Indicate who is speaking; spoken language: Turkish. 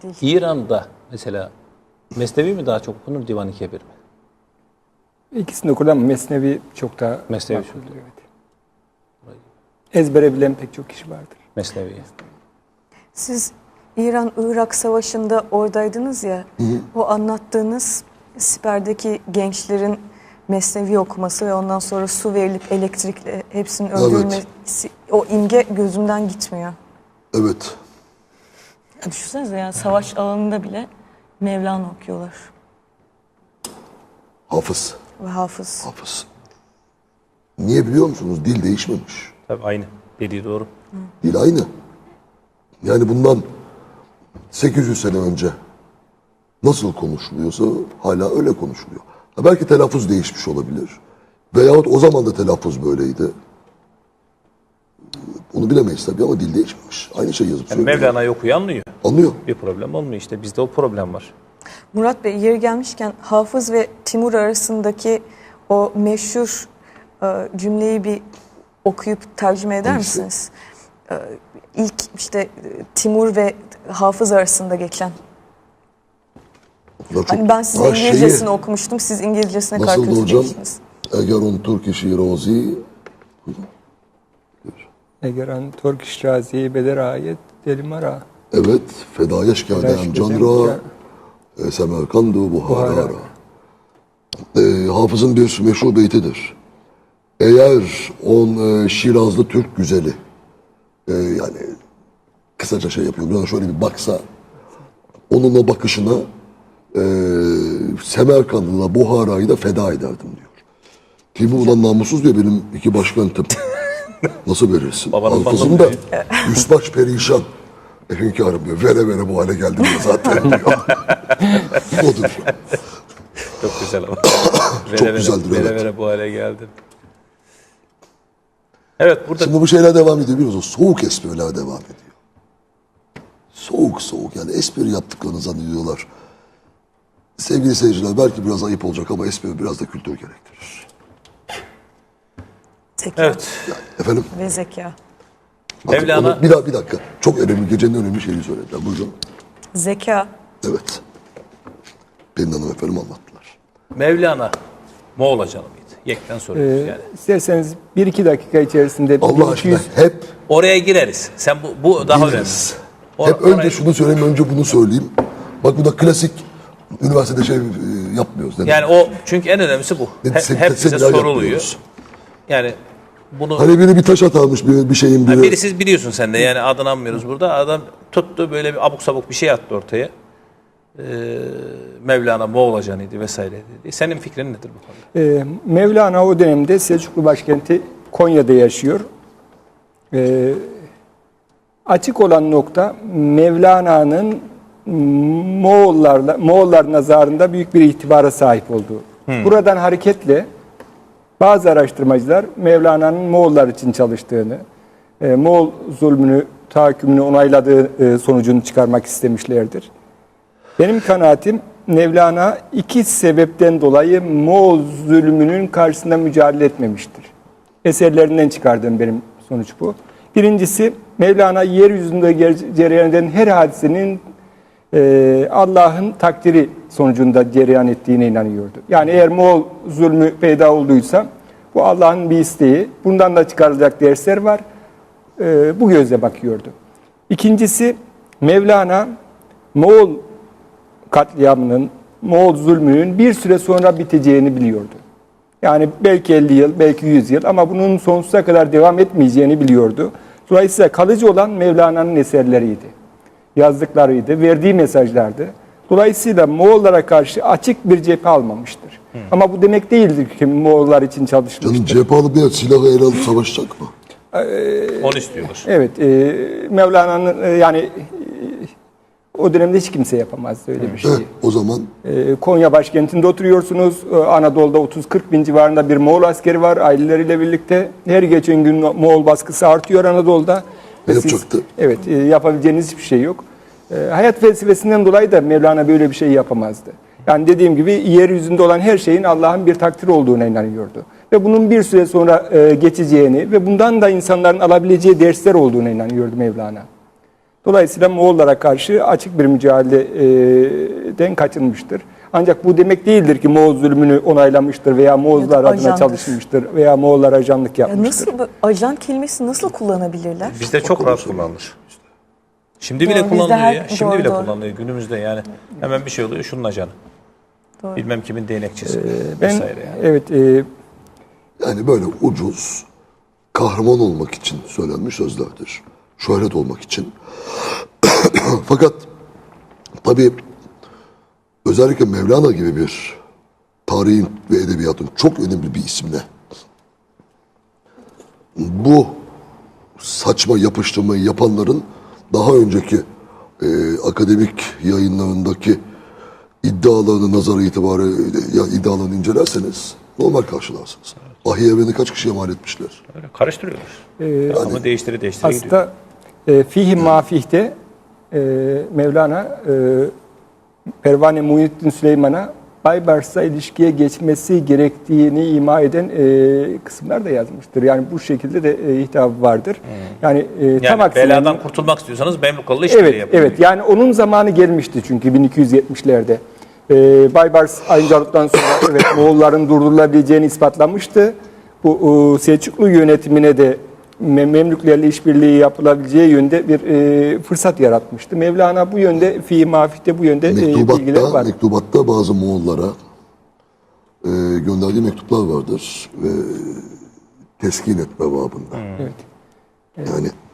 Speaker 1: değil.
Speaker 2: İran'da mesela Mesnevi mi daha çok okunur, Divan-ı Kebir mi?
Speaker 3: İkisini okur ama Mesnevi çok daha
Speaker 2: Mesnevi
Speaker 3: makbuldür,
Speaker 2: çok.
Speaker 3: evet. Ezbere bilen pek çok kişi vardır.
Speaker 2: Mesnevi.
Speaker 1: Siz İran-Irak Savaşı'nda oradaydınız ya, o anlattığınız Siper'deki gençlerin Mesnevi okuması ve ondan sonra su verilip elektrikle hepsinin öldürülmesi, o imge gözümden gitmiyor.
Speaker 4: Evet.
Speaker 1: Ya düşünsenize yani savaş alanında bile Mevlana okuyorlar
Speaker 4: Hafız.
Speaker 1: ve hafız.
Speaker 4: Hafız. Niye biliyor musunuz? Dil değişmemiş.
Speaker 2: Tabii aynı. Dediği doğru.
Speaker 4: Dil aynı. Yani bundan 800 sene önce nasıl konuşuluyorsa hala öyle konuşuluyor. Ha, belki telaffuz değişmiş olabilir. Veyahut o zaman da telaffuz böyleydi. Onu bilemeyiz tabii ama dil değişmemiş. Aynı şey yazıp
Speaker 2: Yani
Speaker 4: söylüyor.
Speaker 2: Mevlana'yı okuyor, anlıyor.
Speaker 4: Anlıyor.
Speaker 2: Bir problem olmuyor işte. Bizde o problem var.
Speaker 1: Murat Bey, yeri gelmişken Hafız ve Timur arasındaki o meşhur cümleyi bir okuyup tercüme eder
Speaker 4: Hangisi?
Speaker 1: misiniz? İlk işte Timur ve Hafız arasında geçen.
Speaker 4: Çok,
Speaker 1: Hani ben size İngilizcesini okumuştum, siz İngilizcesine
Speaker 4: nasıldı
Speaker 1: karşılık
Speaker 4: hocam?
Speaker 1: geçtiniz.
Speaker 4: Eğer on Türk işi rozi
Speaker 3: Eğer an Turkish Razi Beder Ayet Delimara.
Speaker 4: evet fedayeş kâdem canra Semerkandu Buhara. Hafız'ın bir meşhur beytidir. Eğer on Şirazlı Türk güzeli yani kısaca şey yapıyor. Biraz şöyle bir baksa onun o bakışına Semerkand'la Buhara'yı da feda ederdim diyor. Timur ulan namussuz diyor benim iki başkentim. Nasıl verirsin?
Speaker 2: Babanın
Speaker 4: Hafızım
Speaker 2: fanı
Speaker 4: da üsbaş perişan. Hünkârım diyor. Vere vere bu hale geldim ya zaten diyor. Odur.
Speaker 2: Çok güzel ama.
Speaker 4: Çok güzeldir,
Speaker 2: Vere
Speaker 4: evet.
Speaker 2: vere bu hale geldim. Evet, burada
Speaker 4: Şimdi bu şeyler devam ediyor biliyorsunuz. Soğuk espriler devam ediyor. Soğuk soğuk yani espri yaptıklarını zannediyorlar. Sevgili seyirciler belki biraz ayıp olacak ama espri biraz da kültür gerektirir.
Speaker 1: Zeka
Speaker 2: evet.
Speaker 4: Efendim?
Speaker 1: ve zeka.
Speaker 4: Bakın
Speaker 2: Mevlana-
Speaker 4: onu bir dakika. Çok önemli, gecenin önemli şeyini söylediler. Buyurun.
Speaker 1: Zeka.
Speaker 4: Evet. Pelin Hanım efendim anlattılar.
Speaker 2: Mevlana Moğol ajanı mıydı? Yekten soruyoruz yani.
Speaker 3: İsterseniz 1-2 dakika içerisinde
Speaker 4: Allah aşkına hep
Speaker 2: Oraya gireriz. Sen bu daha önemli.
Speaker 4: biliriz. Hep önce şunu söyleyeyim, önce bunu söyleyeyim. Bak bu da klasik üniversitede şey yapmıyoruz. Neden?
Speaker 2: Yani o çünkü en önemlisi bu. Hep bize
Speaker 4: Seminer
Speaker 2: soruluyor.
Speaker 4: yapmıyoruz.
Speaker 2: Yani bunu
Speaker 4: Hani biri bir taş atarmış bir şeyin biri.
Speaker 2: biri siz biliyorsun sen de yani adını anmıyoruz burada. Adam tuttu böyle bir abuk sabuk bir şey attı ortaya. Mevlana Moğol ajanıydı vesaire dedi. Senin fikrin nedir bu konuda?
Speaker 3: Mevlana o dönemde Selçuklu başkenti Konya'da yaşıyor. Açık olan nokta Mevlana'nın Moğollar nazarında büyük bir itibara sahip olduğu. Buradan hareketle bazı araştırmacılar Mevlana'nın Moğollar için çalıştığını, Moğol zulmünü, tahakkümünü onayladığı sonucunu çıkarmak istemişlerdir. Benim kanaatim Mevlana iki sebepten dolayı Moğol zulmünün karşısında mücadele etmemiştir. Eserlerinden çıkardığım benim sonuç bu. Birincisi Mevlana yeryüzünde cereyan eden her hadisenin Allah'ın takdiri sonucunda cereyan ettiğine inanıyordu. Yani eğer Moğol zulmü peyda olduysa bu Allah'ın bir isteği. Bundan da çıkarılacak dersler var. Bu gözle bakıyordu. İkincisi Mevlana Moğol katliamının, Moğol zulmünün bir süre sonra biteceğini biliyordu. Yani belki 50 yıl, belki 100 yıl ama bunun sonsuza kadar devam etmeyeceğini biliyordu. Dolayısıyla kalıcı olan Mevlana'nın eserleriydi. Yazdıklarıydı, verdiği mesajlardı. Dolayısıyla Moğollara karşı açık bir cephe almamıştır. Ama bu demek değildir ki Moğollar için çalışmıştır.
Speaker 4: Canım cephe alıp bir silahı ele alıp savaşacak mı?
Speaker 2: Onu istiyorlar.
Speaker 3: Evet, Mevlana'nın yani o dönemde hiç kimse yapamazdı öyle bir şeyi.
Speaker 4: O zaman
Speaker 3: Konya başkentinde oturuyorsunuz. Anadolu'da 30-40 bin civarında bir Moğol askeri var aileleriyle birlikte. Her geçen gün Moğol baskısı artıyor Anadolu'da.
Speaker 4: Ne yapacaktı?
Speaker 3: Evet, yapabileceğiniz hiçbir şey yok. Hayat felsefesinden dolayı da Mevlana böyle bir şey yapamazdı. Yani dediğim gibi yeryüzünde olan her şeyin Allah'ın bir takdiri olduğuna inanıyordu. Ve bunun bir süre sonra geçeceğini ve bundan da insanların alabileceği dersler olduğuna inanıyordu Mevlana. Dolayısıyla Moğollara karşı açık bir mücadeleden kaçınmıştır. Ancak bu demek değildir ki Moğol zulmünü onaylamıştır veya Moğollar
Speaker 1: Ya da
Speaker 3: adına
Speaker 1: ajandır.
Speaker 3: çalışmıştır veya Moğollar ajanlık
Speaker 1: Ya
Speaker 3: yapmıştır.
Speaker 1: nasıl bu ajan kelimesi nasıl kullanabilirler?
Speaker 2: Bizde çok rahat kullanılır. Şimdi
Speaker 1: Doğru,
Speaker 2: bile
Speaker 1: bizde
Speaker 2: kullanılıyor
Speaker 1: her-
Speaker 2: ya. Şimdi
Speaker 1: doğru,
Speaker 2: bile
Speaker 1: doğru.
Speaker 2: kullanılıyor günümüzde yani. Hemen bir şey oluyor şunun ajanı.
Speaker 1: Doğru.
Speaker 2: Bilmem kimin değnekçisi
Speaker 3: Ben
Speaker 2: vesaire yani.
Speaker 3: evet
Speaker 4: Yani böyle ucuz, kahraman olmak için söylenmiş sözlerdir. Şöhret olmak için. Fakat tabii özellikle Mevlana gibi bir tarihin ve edebiyatın çok önemli bir isimle bu saçma yapıştırmayı yapanların daha önceki akademik yayınlarındaki iddialarını nazara itibarı iddialarını incelerseniz normal karşılarsınız. Vahiy evreni kaç kişiye mal etmişler?
Speaker 2: Öyle karıştırıyorlar. Ama değiştire gidiyor.
Speaker 3: aslında Fihi Mafih'te Mevlana Pervane Muhyiddin Süleyman'a Baybars'la ilişkiye geçmesi gerektiğini ima eden kısımlar da yazmıştır. Yani bu şekilde de hitabı vardır. Yani,
Speaker 2: Yani
Speaker 3: tam aksine
Speaker 2: beladan kurtulmak istiyorsanız Memlukalı'yla işbirliği
Speaker 3: evet,
Speaker 2: yapın.
Speaker 3: evet. Yani onun zamanı gelmişti çünkü 1270'lerde. Baybars ayrıcalıktan sonra evet Moğolların durdurulabileceğini ispatlamıştı. Bu Selçuklu yönetimine de Memlüklerle işbirliği yapılabileceği yönde bir fırsat yaratmıştı. Mevlana bu yönde, Fihi Mafih'te bu yönde bilgiler var.
Speaker 4: Mektubatta bazı Moğollara gönderdiği mektuplar vardır ve teskin etme babında.
Speaker 3: Evet.
Speaker 4: Yani